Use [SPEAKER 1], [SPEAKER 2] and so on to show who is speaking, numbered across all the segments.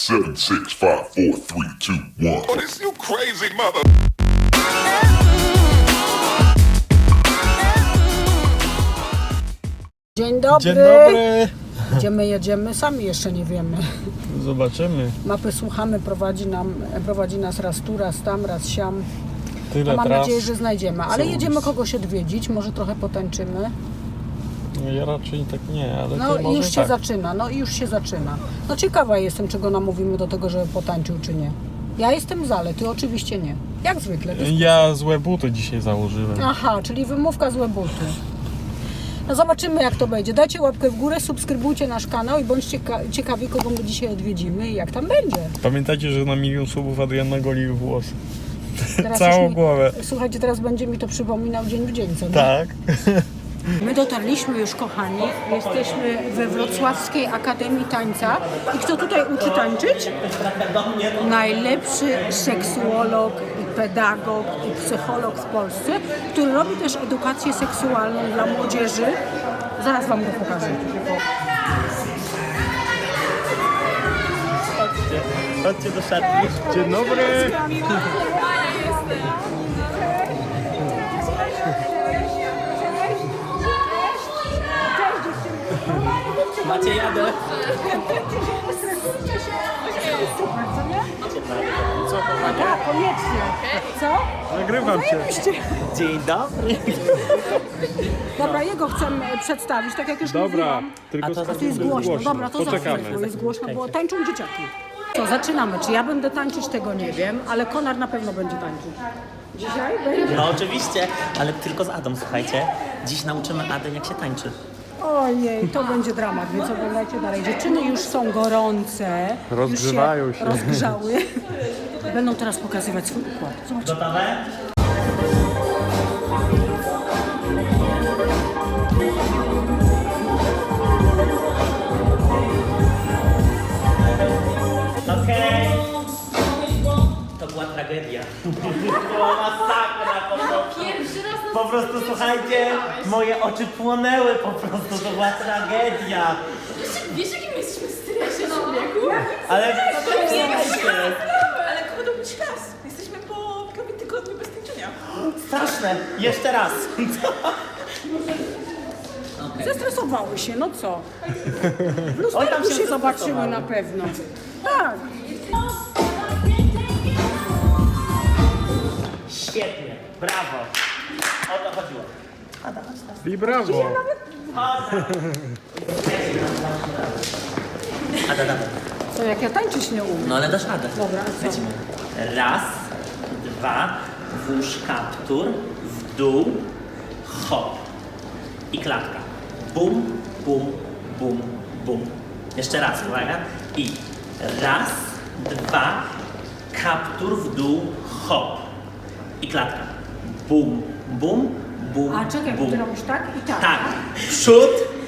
[SPEAKER 1] 7, 6, 5, 4, 3, 2, 1.
[SPEAKER 2] Oh, this you crazy mother.
[SPEAKER 3] Dzień dobry.
[SPEAKER 4] Dzień dobry.
[SPEAKER 3] Gdzie jedziemy? Sami jeszcze nie wiemy.
[SPEAKER 4] Zobaczymy.
[SPEAKER 3] Mapy słuchamy, prowadzi nas raz tu, raz tam, raz siam.
[SPEAKER 4] Tyle
[SPEAKER 3] Mam
[SPEAKER 4] tras.
[SPEAKER 3] nadzieję, że znajdziemy. Ale
[SPEAKER 4] Co
[SPEAKER 3] jedziemy
[SPEAKER 4] ulic.
[SPEAKER 3] kogoś odwiedzić, może trochę potańczymy.
[SPEAKER 4] No ja raczej tak nie, ale
[SPEAKER 3] No
[SPEAKER 4] ty
[SPEAKER 3] i
[SPEAKER 4] może
[SPEAKER 3] już się
[SPEAKER 4] tak.
[SPEAKER 3] zaczyna, No ciekawa jestem, czego namówimy do tego, żeby potańczył, czy nie. Ja jestem za, ale ty oczywiście nie. Jak zwykle.
[SPEAKER 4] Ja złe buty dzisiaj założyłem.
[SPEAKER 3] Aha, czyli wymówka złe buty. No zobaczymy, jak to będzie. Dajcie łapkę w górę, subskrybujcie nasz kanał i bądźcie ciekawi, kogo my dzisiaj odwiedzimy i jak tam będzie.
[SPEAKER 4] Pamiętajcie, że na 1 000 000 subów Adrian nagolił włosy.
[SPEAKER 3] Teraz
[SPEAKER 4] Całą
[SPEAKER 3] już mi-
[SPEAKER 4] głowę.
[SPEAKER 3] Słuchajcie, teraz będzie mi to przypominał dzień w dzień, co nie?
[SPEAKER 4] Tak.
[SPEAKER 3] My dotarliśmy już, kochani. Jesteśmy we Wrocławskiej Akademii Tańca. I kto tutaj uczy tańczyć? Najlepszy seksuolog i pedagog i psycholog w Polsce, który robi też edukację seksualną dla młodzieży. Zaraz wam go pokażę.
[SPEAKER 4] Chodźcie do szatni. Dzień dobry.
[SPEAKER 5] Macie jadę.
[SPEAKER 3] Tak, koniecznie. Co?
[SPEAKER 4] Nagrywam cię.
[SPEAKER 5] Dzień dobry.
[SPEAKER 3] Dobra, jego chcę przedstawić, tak jak już
[SPEAKER 4] Dobra,
[SPEAKER 3] mówiłam.
[SPEAKER 4] tylko
[SPEAKER 3] A to jest głośno. Dobra, to
[SPEAKER 4] poczekamy.
[SPEAKER 3] zawsze jest głośno, bo tańczą dzieciaki. Co, zaczynamy. Czy ja będę tańczyć, tego nie wiem, ale Konar na pewno będzie tańczyć. Dzisiaj będzie?
[SPEAKER 5] No oczywiście, ale tylko z Adą, słuchajcie. Dziś nauczymy Adę, jak się tańczy.
[SPEAKER 3] Ojej, to będzie dramat, więc oglądajcie dalej. Dziewczyny już są gorące.
[SPEAKER 4] Rozgrzewają
[SPEAKER 3] już
[SPEAKER 4] się.
[SPEAKER 3] rozgrzały. Będą teraz pokazywać swój układ. Zobaczcie.
[SPEAKER 5] Gotowe? Okej. To była tragedia. To była masakra po prostu. Po prostu, słuchajcie, moje oczy płonęły po prostu, to była tragedia.
[SPEAKER 6] Wiesz, jakim jesteśmy w stresie, człowieku?
[SPEAKER 5] Ale słuchajcie,
[SPEAKER 6] Ale kogo to być raz? Jesteśmy po prawie tygodniu bez tańczenia.
[SPEAKER 5] straszne. Jeszcze raz.
[SPEAKER 3] Zestresowały się, no co? W
[SPEAKER 5] Oj,
[SPEAKER 3] lusterku
[SPEAKER 5] tam się
[SPEAKER 3] się zobaczyły
[SPEAKER 5] zestresowały.
[SPEAKER 3] na pewno. Tak.
[SPEAKER 5] Świetnie, brawo. O to chodziło. Ada, chodź teraz.
[SPEAKER 4] I brawo.
[SPEAKER 5] Ada, dawaj.
[SPEAKER 3] To jak ja tańczyć nie umiem.
[SPEAKER 5] No ale dasz radę.
[SPEAKER 3] Dobra, a co?
[SPEAKER 5] Lecimy. Raz, dwa, włóż kaptur, w dół, hop. I klatka. Bum, bum, bum, bum. Jeszcze raz, uwaga. I raz, dwa, kaptur, w dół, hop. I klatka. Bum, bum, bum,
[SPEAKER 3] A czekaj, bo
[SPEAKER 5] bum.
[SPEAKER 3] ty robisz tak i tak.
[SPEAKER 5] Tak. Przód,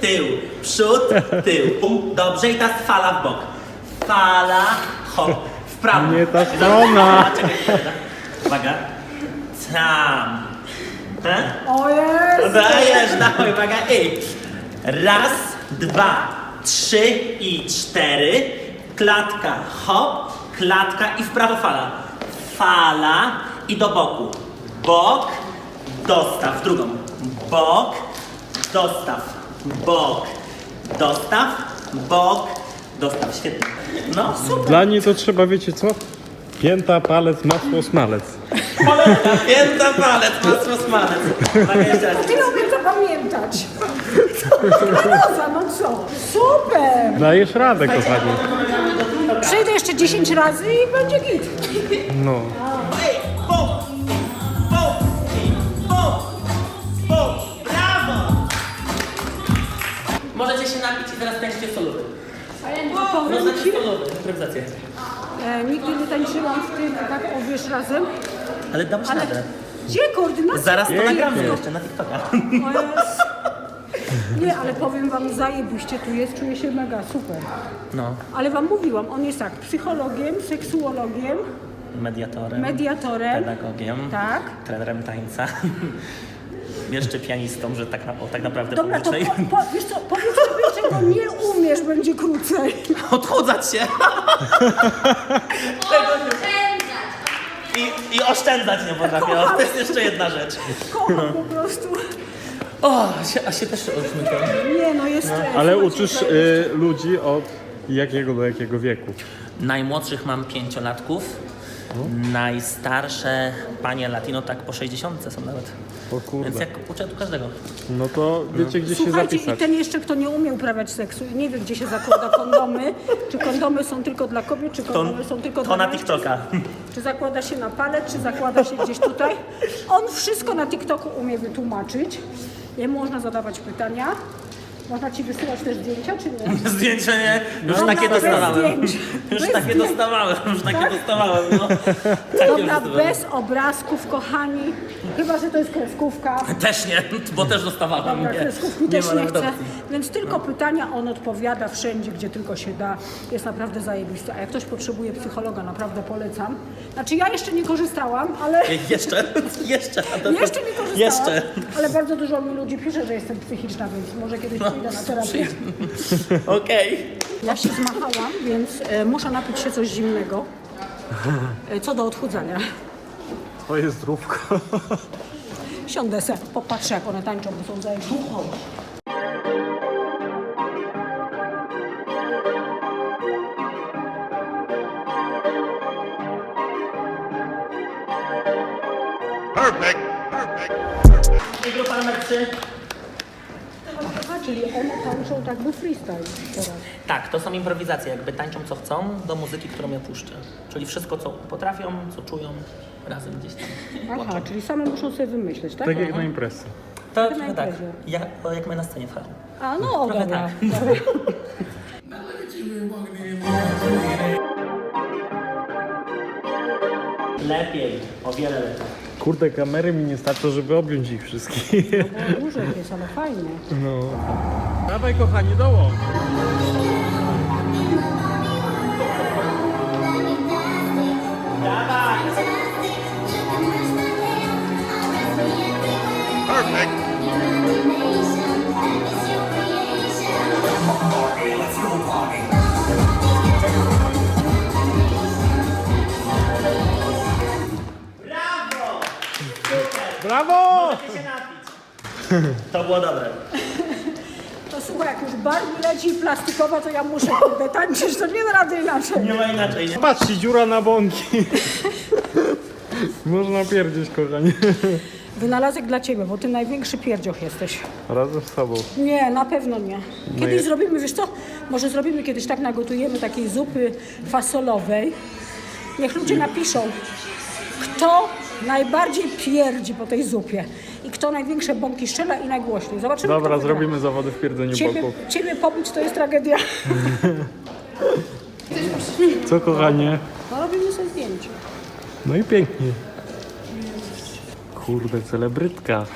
[SPEAKER 5] tył. Bum. Dobrze i teraz fala w bok. Fala, hop. W prawo.
[SPEAKER 4] Nie ta strona.
[SPEAKER 5] Czekaj. Uwaga. Tam.
[SPEAKER 3] O jest!
[SPEAKER 5] Dajesz, dawaj, uwaga. I raz, dwa, trzy i cztery. Klatka, hop. Klatka i w prawo fala. Fala i do boku. Bok, dostaw. Drugą. Bok, dostaw. Bok, dostaw. Bok, dostaw. Świetnie. No, super.
[SPEAKER 4] Dla niej to trzeba, wiecie co? Pięta, palec, masło, smalec.
[SPEAKER 5] Polecam. Pięta palec, masło smalec. Uwaga, jeszcze raz.
[SPEAKER 3] Ty umiem zapamiętać. Roza, no co? Super!
[SPEAKER 4] Dajesz radę, kochani.
[SPEAKER 3] Przyjdę jeszcze 10 razy i będzie git.
[SPEAKER 4] No.
[SPEAKER 5] Ej, bum, bum, bum, bum. Brawo! Możecie się napić i teraz tańczycie solowy. No znaczy solowy, improwizację.
[SPEAKER 3] Nigdy nie tańczyłam w tym, tak o wiesz, razem.
[SPEAKER 5] Ale dałeś
[SPEAKER 3] Ale
[SPEAKER 5] radę.
[SPEAKER 3] gdzie koordynacja?
[SPEAKER 5] Zaraz to
[SPEAKER 4] Pięknie.
[SPEAKER 5] nagramy jeszcze na TikToka.
[SPEAKER 3] O Jezu. Nie, ale powiem wam, zajebiście tu jest, czuję się mega super.
[SPEAKER 5] No,
[SPEAKER 3] Ale wam mówiłam, on jest tak, psychologiem, seksuologiem,
[SPEAKER 5] mediatorem,
[SPEAKER 3] mediatorem.
[SPEAKER 5] pedagogiem,
[SPEAKER 3] Tak.
[SPEAKER 5] trenerem tańca. Jeszcze pianistą, że tak naprawdę
[SPEAKER 3] Dobra, to
[SPEAKER 5] publicznej.
[SPEAKER 3] wiesz co, powiedz sobie, czego czego nie umiesz, będzie krócej.
[SPEAKER 5] Odchudzać się. I oszczędzać nie potrafię. To jest jeszcze jedna rzecz.
[SPEAKER 3] Kocham po prostu.
[SPEAKER 5] O, a się też odmykam.
[SPEAKER 3] Nie no, jest stres.
[SPEAKER 4] Ale
[SPEAKER 3] Słuchajcie,
[SPEAKER 4] uczysz
[SPEAKER 3] to-
[SPEAKER 4] ludzi od jakiego do jakiego wieku?
[SPEAKER 5] Najmłodszych mam 5-latków. Najstarsze panie latino tak po 60 są nawet.
[SPEAKER 4] O
[SPEAKER 5] Więc
[SPEAKER 4] kurde.
[SPEAKER 5] jak uczę tu każdego.
[SPEAKER 4] No to wiecie gdzie się
[SPEAKER 3] Słuchajcie, i
[SPEAKER 4] zapisać.
[SPEAKER 3] ten jeszcze, kto nie umie uprawiać seksu i nie wie, gdzie się zakłada kondomy, czy kondomy są tylko dla kobiet, czy kondomy są tylko
[SPEAKER 5] To
[SPEAKER 3] dla
[SPEAKER 5] na
[SPEAKER 3] mężczyzn,
[SPEAKER 5] TikToka.
[SPEAKER 3] czy zakłada się na palec, czy zakłada się gdzieś tutaj. On wszystko na TikToku umie wytłumaczyć. Jemu można zadawać pytania. Można ci wysyłać też zdjęcia, czy nie?
[SPEAKER 5] Zdjęcia nie? Już
[SPEAKER 3] Dobra,
[SPEAKER 5] takie
[SPEAKER 3] bez
[SPEAKER 5] dostawałem.
[SPEAKER 3] zdjęć.
[SPEAKER 5] Już
[SPEAKER 3] Bez
[SPEAKER 5] takie
[SPEAKER 3] zdjęć.
[SPEAKER 5] dostawałem. Już takie
[SPEAKER 3] Tak?
[SPEAKER 5] dostawałem. No. Takie
[SPEAKER 3] Dobra,
[SPEAKER 5] już
[SPEAKER 3] bez obrazków, kochani. Chyba, że to jest kreskówka.
[SPEAKER 5] Też nie, bo też dostawałem.
[SPEAKER 3] Dobra,
[SPEAKER 5] Nie,
[SPEAKER 3] kreskówki też nie
[SPEAKER 5] ma
[SPEAKER 3] chcę.
[SPEAKER 5] adopcji.
[SPEAKER 3] Więc tylko pytania, on odpowiada wszędzie, gdzie tylko się da. Jest naprawdę zajebisty. A jak ktoś potrzebuje psychologa, naprawdę polecam. Znaczy ja jeszcze nie korzystałam, ale...
[SPEAKER 5] Jeszcze? Jeszcze? A to-
[SPEAKER 3] Jeszcze nie korzystałam,
[SPEAKER 5] Jeszcze.
[SPEAKER 3] ale bardzo dużo mi ludzi pisze, że jestem psychiczna, więc może kiedyś pójdę na terapię.
[SPEAKER 5] Okej.
[SPEAKER 3] Ja się zmachałam, więc muszę napić się coś zimnego. Co do odchudzania.
[SPEAKER 4] Twoje zdrówko.
[SPEAKER 3] Siądę se, popatrzę jak one tańczą, bo są zajęte.
[SPEAKER 2] Perfect. Perfect.
[SPEAKER 5] I grupa numer 3.
[SPEAKER 3] Aha, czyli one tańczą tak by freestyle teraz.
[SPEAKER 5] Tak, to są improwizacje, jakby tańczą co chcą do muzyki, którą ja puszczę. Czyli wszystko, co potrafią, co czują, razem gdzieś tam.
[SPEAKER 3] Aha, czyli same muszą sobie wymyśleć, tak?
[SPEAKER 4] Tak jak na imprezie.
[SPEAKER 5] To
[SPEAKER 3] na
[SPEAKER 5] trochę tak,
[SPEAKER 3] imprezie.
[SPEAKER 5] jak my na scenie w Haru.
[SPEAKER 3] A no,
[SPEAKER 5] Trochę
[SPEAKER 3] dobra.
[SPEAKER 5] tak.
[SPEAKER 3] Dobra.
[SPEAKER 5] Lepiej, o wiele lepiej.
[SPEAKER 4] Kurde, kamery mi nie starczą, żeby objąć ich wszystkich.
[SPEAKER 3] Bo dużo jest, ale fajnie.
[SPEAKER 4] No. Dawaj kochani, dołącz.
[SPEAKER 2] Perfect.
[SPEAKER 4] Brawo!
[SPEAKER 5] Możecie się napić. To było dobre.
[SPEAKER 3] To słuchaj, jak już bar mi leci plastikowa, to ja muszę kurde tańczyć, to nie da rady inaczej.
[SPEAKER 5] Nie ma inaczej, nie?
[SPEAKER 4] Patrzcie, dziura na bąki. Można pierdzieć, kochani.
[SPEAKER 3] Wynalazek dla ciebie, bo ty największy pierdzioch jesteś.
[SPEAKER 4] Razem z sobą.
[SPEAKER 3] Nie, na pewno nie. Kiedyś
[SPEAKER 4] jest.
[SPEAKER 3] zrobimy, wiesz co, może zrobimy kiedyś tak, nagotujemy takiej zupy fasolowej. Niech ludzie napiszą, kto najbardziej pierdzi po tej zupie i kto największe bąki strzela i najgłośniej. Zobaczymy,
[SPEAKER 4] Dobra,
[SPEAKER 3] kto wygra.
[SPEAKER 4] zrobimy zawody w pierdzeniu bąków.
[SPEAKER 3] Ciebie pobić to jest tragedia.
[SPEAKER 4] Co kochanie?
[SPEAKER 3] No robimy sobie zdjęcie.
[SPEAKER 4] No i pięknie. Kurde, celebrytka.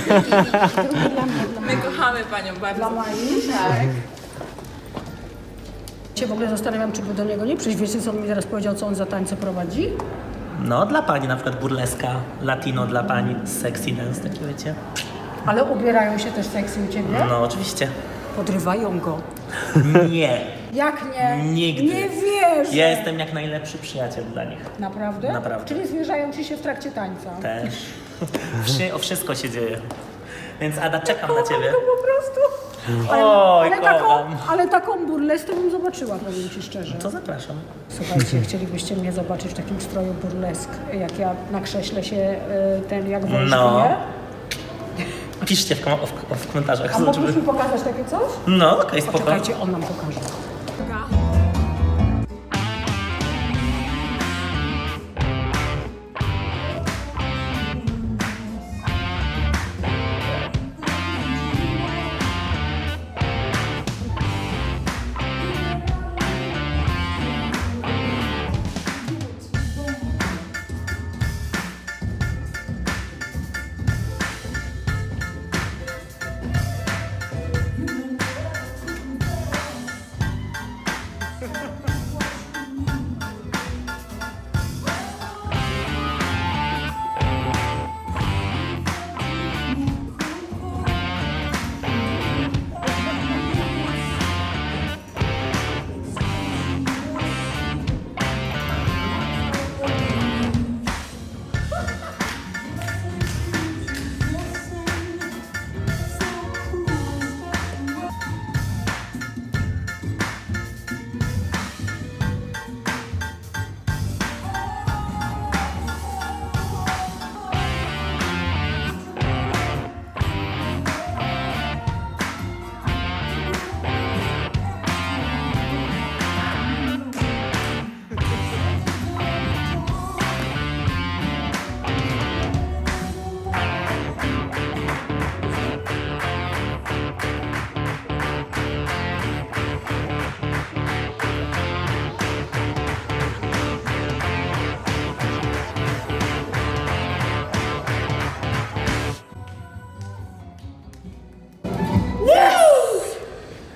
[SPEAKER 6] My kochamy panią
[SPEAKER 3] Dla
[SPEAKER 6] bardzo.
[SPEAKER 3] Mai. Tak. Cię w ogóle zastanawiam, czy by do niego nie przyjść. Wiecie, co on mi teraz powiedział, co on za tańce prowadzi?
[SPEAKER 5] No, dla pani na przykład burleska, latino dla pani, sexy dance, takie wiecie.
[SPEAKER 3] Ale ubierają się też seksy u ciebie?
[SPEAKER 5] No, oczywiście.
[SPEAKER 3] Podrywają go.
[SPEAKER 5] Nie.
[SPEAKER 3] Jak nie?
[SPEAKER 5] Nigdy.
[SPEAKER 3] Nie wierzę.
[SPEAKER 5] Ja jestem jak najlepszy przyjaciel dla nich.
[SPEAKER 3] Naprawdę?
[SPEAKER 5] Naprawdę.
[SPEAKER 3] Czyli zwierzają ci się w trakcie tańca?
[SPEAKER 5] Też. O wszystko się dzieje. Więc Ada, czekam na ciebie.
[SPEAKER 3] To po prostu.
[SPEAKER 5] Oj,
[SPEAKER 3] taką,
[SPEAKER 5] kocham.
[SPEAKER 3] taką burleskę bym zobaczyła, powiem ci szczerze.
[SPEAKER 5] To zapraszam.
[SPEAKER 3] Słuchajcie, chcielibyście mnie zobaczyć w takim stroju burlesk, jak ja na krześle się ten jak wąż
[SPEAKER 5] No.
[SPEAKER 3] bije?
[SPEAKER 5] Piszcie w komentarzach.
[SPEAKER 3] A
[SPEAKER 5] zobaczymy.
[SPEAKER 3] mógłbyś mi pokazać takie coś?
[SPEAKER 5] No, okej, spoko.
[SPEAKER 3] Poczekajcie, on nam pokaże.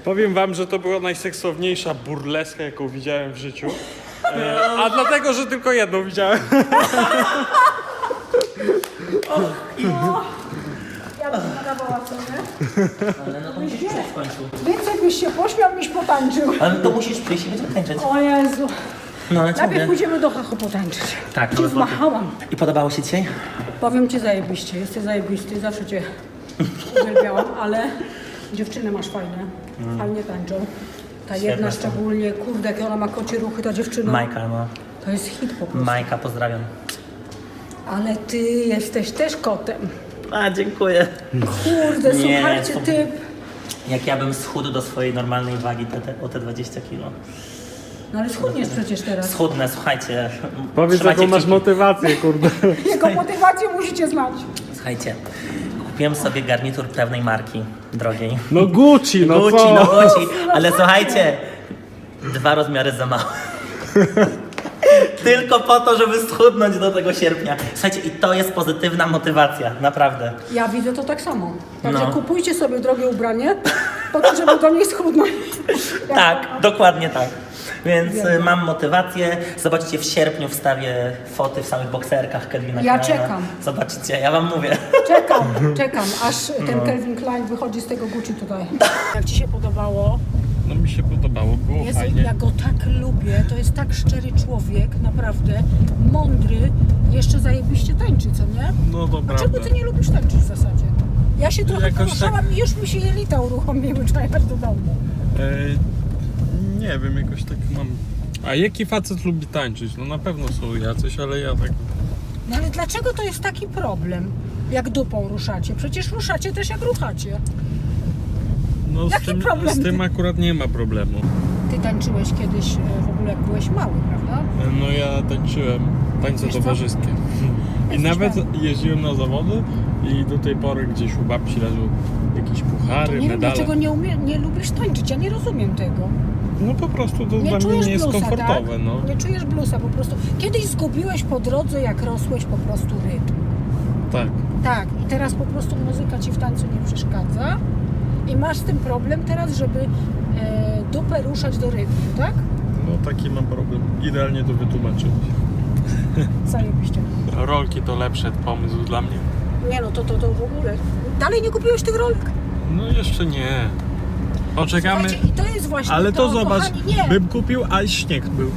[SPEAKER 4] Powiem wam, że to była najseksowniejsza burleska, jaką widziałem w życiu. A dlatego, że tylko jedną widziałem.
[SPEAKER 3] Ja bym nadawała cenę.
[SPEAKER 5] Ale no to musisz przyjść w końcu.
[SPEAKER 3] Więcej byś się pośmiał, niż potańczył.
[SPEAKER 5] Ale to musisz przyjść i będziemy tańczyć.
[SPEAKER 3] O Jezu.
[SPEAKER 5] No ale co
[SPEAKER 3] Najpierw
[SPEAKER 5] mówię?
[SPEAKER 3] pójdziemy do Hachu potańczyć.
[SPEAKER 5] Tak,
[SPEAKER 3] Cię
[SPEAKER 5] ale
[SPEAKER 3] zmachałam.
[SPEAKER 5] I podobało się dzisiaj?
[SPEAKER 3] Powiem ci zajebiście, jesteś zajebisty, zawsze cię uwielbiałam, ale dziewczyny masz fajne, fajnie tańczą. Ta jedna
[SPEAKER 5] Świetne są.
[SPEAKER 3] szczególnie, kurde, jakie ona ma kocie ruchy, ta dziewczyna.
[SPEAKER 5] Majka, no.
[SPEAKER 3] To jest hit po prostu.
[SPEAKER 5] Majka, pozdrawiam.
[SPEAKER 3] Ale ty jesteś też kotem.
[SPEAKER 5] A, dziękuję.
[SPEAKER 3] Kurde,
[SPEAKER 5] Nie,
[SPEAKER 3] słuchajcie,
[SPEAKER 5] to-
[SPEAKER 3] ty...
[SPEAKER 5] Jak ja bym schudł do swojej normalnej wagi o te 20 kilo.
[SPEAKER 3] No ale schudniesz przecież teraz.
[SPEAKER 5] Schudnę, słuchajcie.
[SPEAKER 4] Powiedz,
[SPEAKER 5] Trzymajcie
[SPEAKER 4] jaką masz
[SPEAKER 5] kciuki.
[SPEAKER 4] motywację, kurde.
[SPEAKER 3] Jaką motywację musicie znać.
[SPEAKER 5] Słuchajcie, kupiłem sobie garnitur pewnej marki, drogiej.
[SPEAKER 4] No Gucci, no
[SPEAKER 5] Gucci,
[SPEAKER 4] co?
[SPEAKER 5] no Gucci, ale słuchajcie, 2 rozmiary za mało. Tylko po to, żeby schudnąć do tego sierpnia. Słuchajcie, i to jest pozytywna motywacja, naprawdę.
[SPEAKER 3] Ja widzę to tak samo. Także
[SPEAKER 5] No.
[SPEAKER 3] kupujcie sobie drogie ubranie, po to, żeby do niej schudnąć.
[SPEAKER 5] Tak, dokładnie tak. Więc mam motywację. Zobaczycie, w sierpniu wstawię foty w samych bokserkach Calvina
[SPEAKER 3] Ja
[SPEAKER 5] Kleina.
[SPEAKER 3] czekam.
[SPEAKER 5] Zobaczycie, ja wam mówię.
[SPEAKER 3] Czekam, aż ten Calvin Klein wychodzi z tego Gucci tutaj. Jak ci się podobało?
[SPEAKER 4] No mi się podobało, było
[SPEAKER 3] Jezu,
[SPEAKER 4] fajnie.
[SPEAKER 3] ja go tak lubię, to jest tak szczery człowiek, naprawdę, mądry, jeszcze zajebiście tańczy, co nie?
[SPEAKER 4] No to
[SPEAKER 3] A czego
[SPEAKER 4] prawda.
[SPEAKER 3] ty nie lubisz tańczyć w zasadzie? Ja się trochę
[SPEAKER 4] Jakoś
[SPEAKER 3] poruszałam i już mi się jelita uruchomiły, trzeba jechać do domu.
[SPEAKER 4] Nie wiem, jakoś tak mam... A jaki facet lubi tańczyć? No na pewno są jacyś, ale ja tak...
[SPEAKER 3] No ale dlaczego to jest taki problem, jak dupą ruszacie? Przecież ruszacie też jak ruchacie.
[SPEAKER 4] No
[SPEAKER 3] Jaki problem?
[SPEAKER 4] z tym akurat nie ma problemu.
[SPEAKER 3] Ty tańczyłeś kiedyś w ogóle jak byłeś mały, prawda?
[SPEAKER 4] No ja tańczyłem tańce
[SPEAKER 3] Wiesz co?
[SPEAKER 4] towarzyskie. I
[SPEAKER 3] Jesteś
[SPEAKER 4] nawet
[SPEAKER 3] pewny?
[SPEAKER 4] jeździłem na zawody i do tej pory gdzieś u babci leżą jakieś puchary,
[SPEAKER 3] Nie wiem,
[SPEAKER 4] medale.
[SPEAKER 3] dlaczego nie lubisz tańczyć, ja nie rozumiem tego.
[SPEAKER 4] No po prostu to
[SPEAKER 3] Nie
[SPEAKER 4] dla mnie
[SPEAKER 3] czujesz
[SPEAKER 4] nie jest
[SPEAKER 3] bluesa,
[SPEAKER 4] komfortowe,
[SPEAKER 3] tak?
[SPEAKER 4] no.
[SPEAKER 3] Nie czujesz bluesa po prostu. Kiedyś zgubiłeś po drodze, jak rosłeś, po prostu rytm.
[SPEAKER 4] Tak.
[SPEAKER 3] Tak, i teraz po prostu muzyka ci w tańcu nie przeszkadza i masz z tym problem teraz, żeby dupę ruszać do rytmu, tak?
[SPEAKER 4] No taki mam problem. Idealnie to wytłumaczyć.
[SPEAKER 3] Zajebiście.
[SPEAKER 4] Rolki to lepszy pomysł dla mnie.
[SPEAKER 3] Nie no, to w ogóle. Dalej nie kupiłeś tych rolek?
[SPEAKER 4] No jeszcze nie. Poczekamy.
[SPEAKER 3] Słuchajcie, i to jest właśnie
[SPEAKER 4] Ale to zobacz,
[SPEAKER 3] kochani, nie.
[SPEAKER 4] bym kupił, a śnieg był.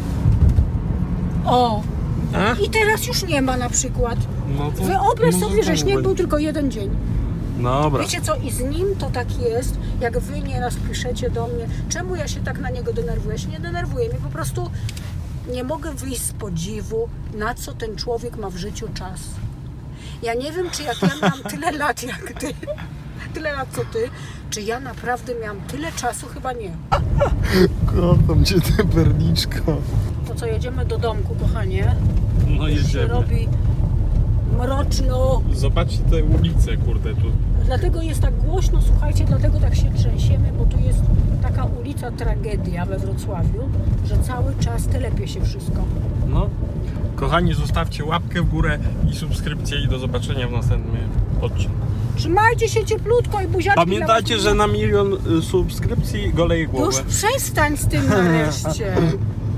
[SPEAKER 3] O!
[SPEAKER 4] A?
[SPEAKER 3] I teraz już nie ma na przykład.
[SPEAKER 4] No to
[SPEAKER 3] Wyobraź
[SPEAKER 4] no
[SPEAKER 3] sobie, że
[SPEAKER 4] znowu
[SPEAKER 3] śnieg był
[SPEAKER 4] będzie.
[SPEAKER 3] tylko jeden dzień.
[SPEAKER 4] Dobra.
[SPEAKER 3] Wiecie co, i z nim to tak jest, jak wy nieraz piszecie do mnie, czemu ja się tak na niego denerwuję? Ja się nie denerwuję, mi po prostu nie mogę wyjść z podziwu, na co ten człowiek ma w życiu czas. Ja nie wiem, czy jak ja miałam tyle lat jak ty, tyle lat co ty, czy ja naprawdę miałam tyle czasu? Chyba nie.
[SPEAKER 4] Kocham cię, tę perniczko.
[SPEAKER 3] To co, jedziemy do domku, kochanie?
[SPEAKER 4] No
[SPEAKER 3] Już się
[SPEAKER 4] jedziemy.
[SPEAKER 3] robi mroczno.
[SPEAKER 4] Zobaczcie te ulice, kurde, tu.
[SPEAKER 3] Dlatego jest tak głośno, słuchajcie, dlatego tak się trzęsiemy, bo tu jest taka ulica Tragedia we Wrocławiu, że cały czas telepie się wszystko.
[SPEAKER 4] No. Kochani, zostawcie łapkę w górę i subskrypcję i do zobaczenia w następnym odcinku.
[SPEAKER 3] Trzymajcie się cieplutko i buziaczki
[SPEAKER 4] Pamiętajcie,
[SPEAKER 3] dla was.
[SPEAKER 4] że na 1 000 000 subskrypcji goleję głowę.
[SPEAKER 3] Już przestań z tym nareszcie.